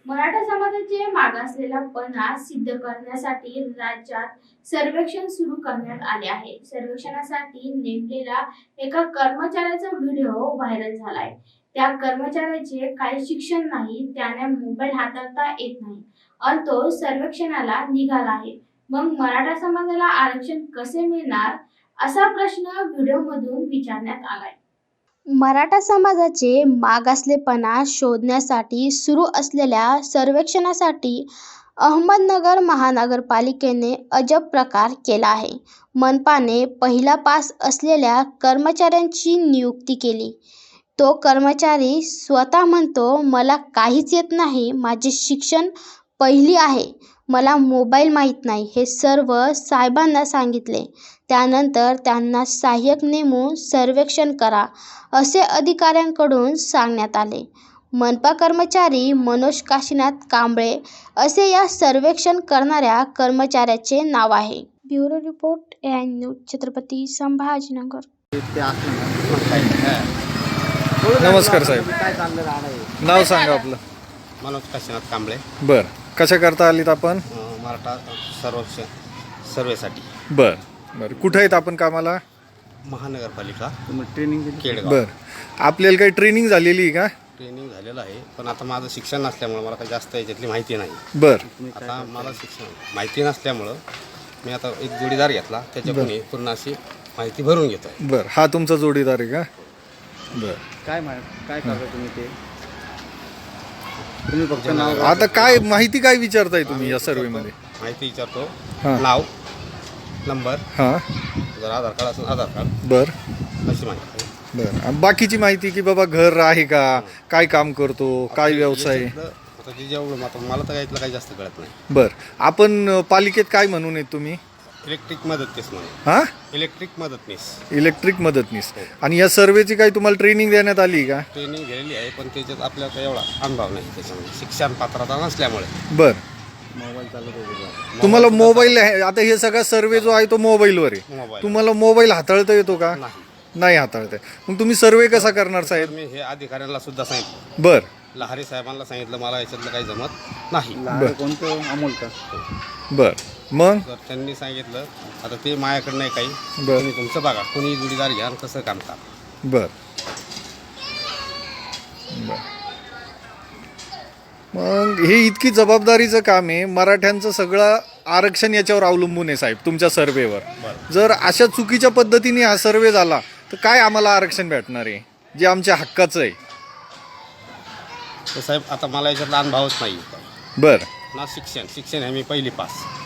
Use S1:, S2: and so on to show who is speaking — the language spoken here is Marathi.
S1: मराठा समाजाचे मागासलेला पणा सिद्ध करण्यासाठी राज्यात सर्वेक्षण सुरू करण्यात आले आहे. सर्वेक्षणासाठी नेमलेला एका कर्मचाऱ्याचा व्हिडिओ व्हायरल झालाय. त्या कर्मचाऱ्याचे काही शिक्षण नाही, त्याने मोबाईल हाताळता येत नाही आणि तो सर्वेक्षणाला निघाला आहे. मग मराठा समाजाला आरक्षण कसे मिळणार असा प्रश्न व्हिडिओमधून विचारण्यात आलाय.
S2: मराठा समाजाचे मागासलेपणा शोधण्यासाठी सुरू असलेल्या सर्वेक्षणासाठी अहमदनगर महानगरपालिकेने अजब प्रकार केला आहे. मनपाने पहिला पास असलेल्या कर्मचाऱ्यांची नियुक्ती केली. तो कर्मचारी स्वतः म्हणतो, मला काहीच येत नाही, माझे शिक्षण पहिली आहे, मला मोबाईल माहीत नाही, हे सर्व साहेबांना सांगितले. त्यानंतर त्यांना सहाय्यक नेमून सर्वेक्षण करा असे अधिकाऱ्यांकडून सांगण्यात आले. मनपा कर्मचारी मनोज काशीनाथ कांबळे असे या सर्वेक्षण करणाऱ्या कर्मचाऱ्याचे नाव आहे. Bureau report AI news, Chhatrapati Sambhajinagar.
S3: नमस्कार साहेब,
S4: काय चाललं राहणार
S3: नाव सांगा आपलं.
S4: मनोज काशीनाथ कांबळे.
S3: बर, कशा करता आलीत आपण?
S4: मराठा सर्वेसाठी.
S3: बर बर, कुठं आहेत आपण कामाला?
S4: महानगरपालिका ट्रेनिंग केडगाव.
S3: बर, आपल्याला काही ट्रेनिंग झालेली आहे का?
S4: ट्रेनिंग झालेलं आहे, पण आता माझं शिक्षण नसल्यामुळं मला काही जास्त याच्यातली माहिती नाही.
S3: बर,
S4: आता मला शिक्षण माहिती नसल्यामुळं मी आता एक जोडीदार घेतला, त्याच्याकडून पूर्ण अशी माहिती भरून घेतो.
S3: बर, हा तुमचा जोडीदार आहे का? बर,
S5: काय करता तुम्ही ते? तुम्ही फक्त नाव
S3: आता काय माहिती काय विचारताय तुम्ही या सर्वे मध्ये?
S4: माहिती विचारतो,
S3: हां.
S4: नाव, नंबर,
S3: हां.
S4: जर आधार कार्ड असेल आधार कार्ड,
S3: बर
S4: अशी माहिती.
S3: बर, बाकीची माहिती की बाबा घर आहे का, काय काम करतो, काय व्यवसाय?
S4: आता ते जेवढं मला तर यातलं काही जास्त कळत नाही.
S3: बर, आपण पालिकेत काय म्हणून आहेत तुम्ही?
S4: इलेक्ट्रिक मदतनीस म्हणून.
S3: हा,
S4: इलेक्ट्रिक मदतनीस.
S3: इलेक्ट्रिक मदतनीस. आणि या सर्वेची काही तुम्हाला ट्रेनिंग देण्यात आली का?
S4: ट्रेनिंग घेतलेली आहे, पण त्याच्यात आपल्याला काही एवढा अनुभव नाही त्याच्यामध्ये, शिक्षण पात्रता नसल्यामुळे.
S3: बर,
S5: मोबाईल चालत होते.
S3: तुम्हाला मोबाईल आहे, आता हे सगळा सर्वे जो आहे तो मोबाईलवर आहे.
S4: मोबाईल
S3: तुम्हाला मोबाईल हाताळता येतो का?
S4: नाही.
S3: नाही हाताळता. मग तुम्ही सर्वे कसा करणार
S4: तर
S3: साहेब?
S4: मी हे अधिकाऱ्यांना सुद्धा सांगितलं,
S3: बर
S4: लहारी साहेबांना सांगितलं, मला याच्यातलं काही जमत नाही.
S5: लहान कोणतं अमोल का?
S3: बर, मग
S4: तर त्यांनी सांगितलं, आता ते माझ्याकडे नाही काही,
S3: बर
S4: तुम्ही तुमचं बघा, कोणी जोडीदार घ्या आणि कसं काम करा.
S3: बर बर. मग हे इतकी जबाबदारीचं काम आहे, मराठ्यांचं सगळं आरक्षण याच्यावर अवलंबून आहे साहेब, तुमच्या सर्वेवर. जर अशा चुकीच्या पद्धतीने हा सर्वे झाला तर काय आम्हाला आरक्षण भेटणार आहे, जे आमच्या हक्काचं आहे?
S4: तर साहेब, आता मला याच्यातला अनुभवच नाही.
S3: बर,
S4: ना शिक्षण आहे मी पहिली पास.